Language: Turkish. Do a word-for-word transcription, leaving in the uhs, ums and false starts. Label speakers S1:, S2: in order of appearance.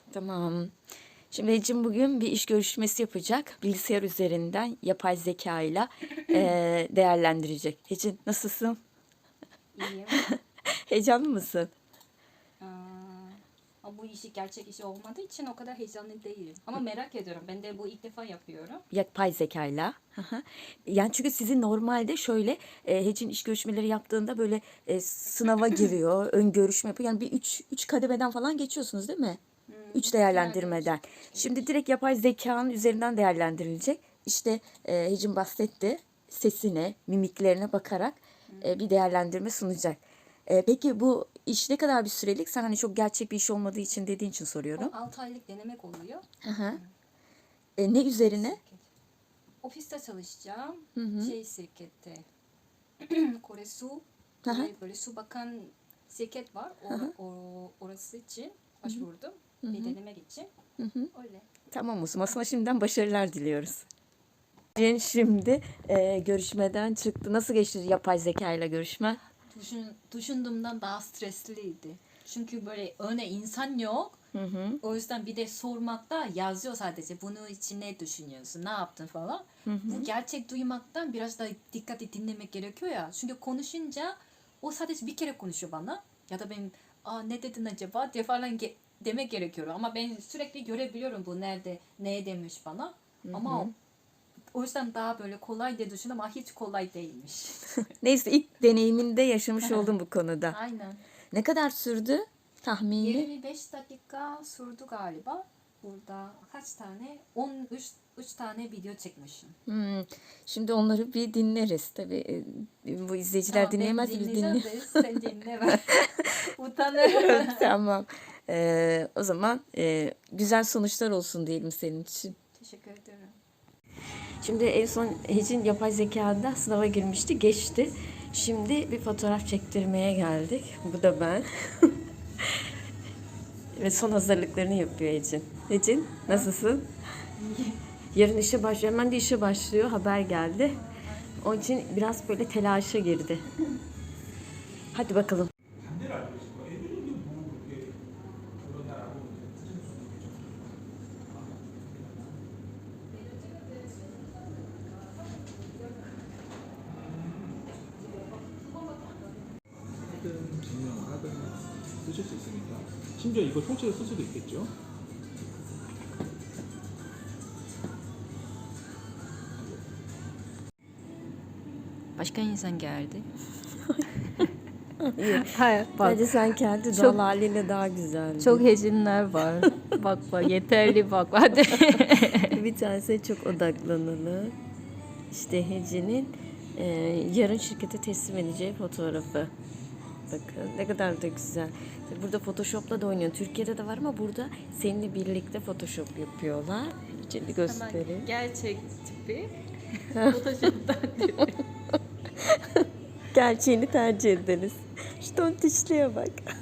S1: Tamam. Şimdi Ecim bugün bir iş görüşmesi yapacak. Bilgisayar üzerinden yapay zeka ile eee, değerlendirecek. Ecin nasılsın?
S2: İyiyim.
S1: Heyecanlı mısın?
S2: Aa, ama bu işi gerçek işi olmadığı için o kadar heyecanlı değilim. Ama merak ediyorum. Ben de bu ilk defa yapıyorum.
S1: Yapay zekayla. Hı hı. Yani çünkü sizin normalde şöyle e, Hecin iş görüşmeleri yaptığında böyle e, sınava giriyor, ön görüşme yapıyor. Yani bir üç, üç kademeden falan geçiyorsunuz değil mi? Üç değerlendirmeden. Şimdi direkt yapay zekanın üzerinden değerlendirilecek. İşte e, Hecin bahsetti. Sesine, mimiklerine bakarak e, bir değerlendirme sunacak. E, peki bu iş ne kadar bir sürelik? Sen hani çok gerçek bir iş olmadığı için dediğin için soruyorum.
S2: O altı aylık denemek oluyor.
S1: Hı hı. E, ne üzerine?
S2: Ofiste çalışacağım.
S1: Hı hı.
S2: Şey şirkette. Kore Su.
S1: Hı hı.
S2: Kore böyle su bakan şirket var. O, o, orası için başvurdum. Bir denemek için. Öyle.
S1: Tamam Musun. Sana şimdiden başarılar diliyoruz. Ecin şimdi e, görüşmeden çıktı. Nasıl geçti yapay zeka ile görüşme?
S2: Düşün, düşündüğümden daha stresliydi. Çünkü böyle öne insan yok.
S1: Hı hı.
S2: O yüzden bir de sormakta yazıyor sadece. Bunun için ne düşünüyorsun, ne yaptın falan. Bu gerçek duymaktan biraz da dikkatli dinlemek gerekiyor ya. Çünkü konuşunca o sadece bir kere konuşuyor bana. Ya da ben Aa, ne dedin acaba diye falan ge- demek gerekiyor. Ama ben sürekli görebiliyorum bu nerede, ne demiş bana. Ama o, o yüzden daha böyle kolay diye düşündüm ama hiç kolay değilmiş.
S1: Neyse ilk deneyiminde yaşamış oldum bu konuda.
S2: Aynen.
S1: Ne kadar sürdü tahmini?
S2: yirmi beş dakika sürdü galiba. Burada kaç tane? on üç üç tane video çekmişim.
S1: Hmm. Şimdi onları bir dinleriz. Tabii e, bu izleyiciler
S2: Tamam, ben
S1: dinleyemez biz
S2: dinleyeceğim
S1: dinliyoruz.
S2: de sen dinle ben. Utanırım.
S1: Tamam. Ee, o zaman e, güzel sonuçlar olsun diyelim senin için.
S2: Teşekkür ederim.
S1: Şimdi en son Hecin yapay zekada sınava girmişti, geçti. Şimdi bir fotoğraf çektirmeye geldik. Bu da ben. Ve son hazırlıklarını yapıyor Hecin. Hecin, nasılsın? Yarın işe başlıyor. Hemen de işe başlıyor. Haber geldi. Onun için biraz böyle telaşa girdi. Hadi bakalım.
S3: 하든 증명을 하든 쓰실 수 있으니까 심지어 이거 통째로 쓸 수도 있겠죠.
S2: Başka insan geldi.
S1: İyi.
S2: Hayır, bak.
S1: Bence sen kendi
S2: Çok-
S1: doğal haliyle daha güzel.
S2: Çok heyecanlar var. Bak bak yeterli bak hadi.
S1: Bir tanesi çok odaklanılı. İşte Hece'nin e, yarın şirkete teslim edeceği fotoğrafı. Bakın ne kadar da güzel. Burada Photoshop'la da oynuyor. Türkiye'de de var ama burada seninle birlikte Photoshop yapıyorlar. Şimdi göstereyim.
S2: Gerçek tipi. Photoshop'tan tipi.
S1: Gerçeğini tercih ederiz. Şu tontişliğe bak.